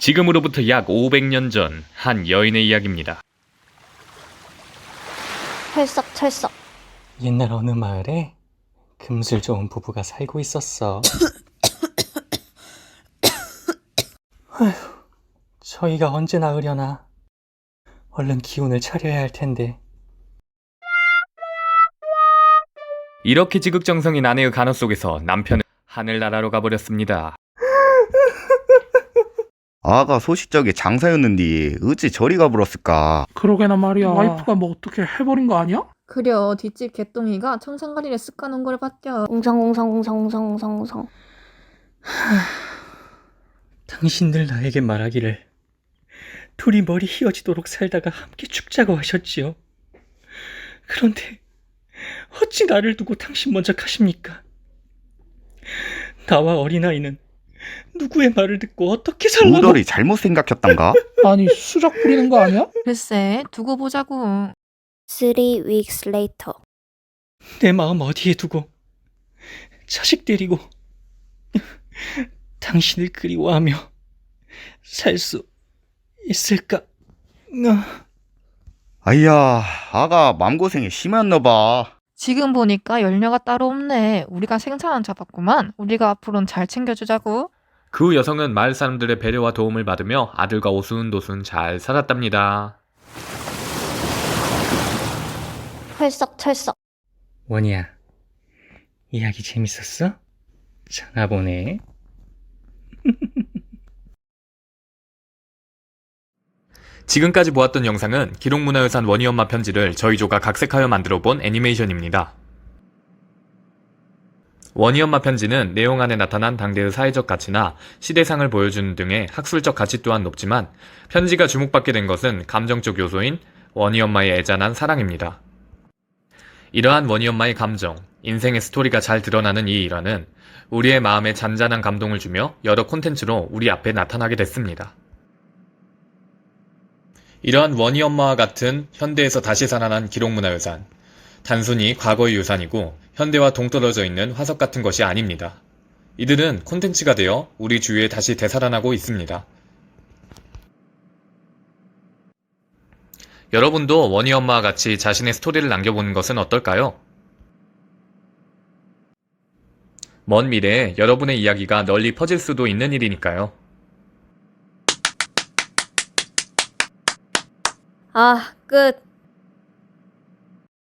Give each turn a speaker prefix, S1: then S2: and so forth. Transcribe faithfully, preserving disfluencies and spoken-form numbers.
S1: 지금으로부터 약 오백 년 전 한 여인의 이야기입니다.
S2: 찰싹찰싹.
S3: 옛날 어느 마을에 금술 좋은 부부가 살고 있었어. 아휴, 저희가 언제 나으려나. 얼른 기운을 차려야 할 텐데.
S1: 이렇게 지극정성인 아내의 간호 속에서 남편은 하늘나라로 가버렸습니다.
S4: 아가 소식적에 장사였는데 어찌 저리 가버렸을까.
S5: 그러게나 말이야. 와이프가 뭐 어떻게 해버린 거 아니야?
S6: 그려 뒷집 개똥이가 청산가리를 쓱 까는 걸 봤죠.
S2: 웅성웅성웅성웅성웅성.
S3: 당신들 나에게 말하기를 둘이 머리 휘어지도록 살다가 함께 죽자고 하셨지요. 그런데 어찌 나를 두고 당신 먼저 가십니까? 나와 어린아이는 누구의 말을 듣고 어떻게 살라고...
S4: 우덜이 잘못 생각했단가?
S5: 아니 수작 부리는 거 아니야?
S6: 글쎄 두고 보자고.
S2: Three weeks later.
S3: 내 마음 어디에 두고 자식 데리고 당신을 그리워하며 살 수 있을까?
S4: 아이야, 아가 맘고생이 심했나봐.
S6: 지금 보니까 연료가 따로 없네. 우리가 생사는 잡았구만. 우리가 앞으로는 잘 챙겨주자고.
S1: 그 여성은 마을 사람들의 배려와 도움을 받으며 아들과 오순도순 잘 살았답니다.
S2: 찰싹찰싹.
S3: 원이야, 이야기 재밌었어? 장아 보네.
S1: 지금까지 보았던 영상은 기록문화유산 원희엄마 편지를 저희조가 각색하여 만들어본 애니메이션입니다. 원희엄마 편지는 내용 안에 나타난 당대의 사회적 가치나 시대상을 보여주는 등의 학술적 가치 또한 높지만 편지가 주목받게 된 것은 감정적 요소인 원희엄마의 애잔한 사랑입니다. 이러한 원희엄마의 감정, 인생의 스토리가 잘 드러나는 이 일화는 우리의 마음에 잔잔한 감동을 주며 여러 콘텐츠로 우리 앞에 나타나게 됐습니다. 이러한 원희엄마와 같은 현대에서 다시 살아난 기록문화유산, 단순히 과거의 유산이고 현대와 동떨어져 있는 화석 같은 것이 아닙니다. 이들은 콘텐츠가 되어 우리 주위에 다시 되살아나고 있습니다. 여러분도 원희엄마와 같이 자신의 스토리를 남겨보는 것은 어떨까요? 먼 미래에 여러분의 이야기가 널리 퍼질 수도 있는 일이니까요.
S2: 아, 끝.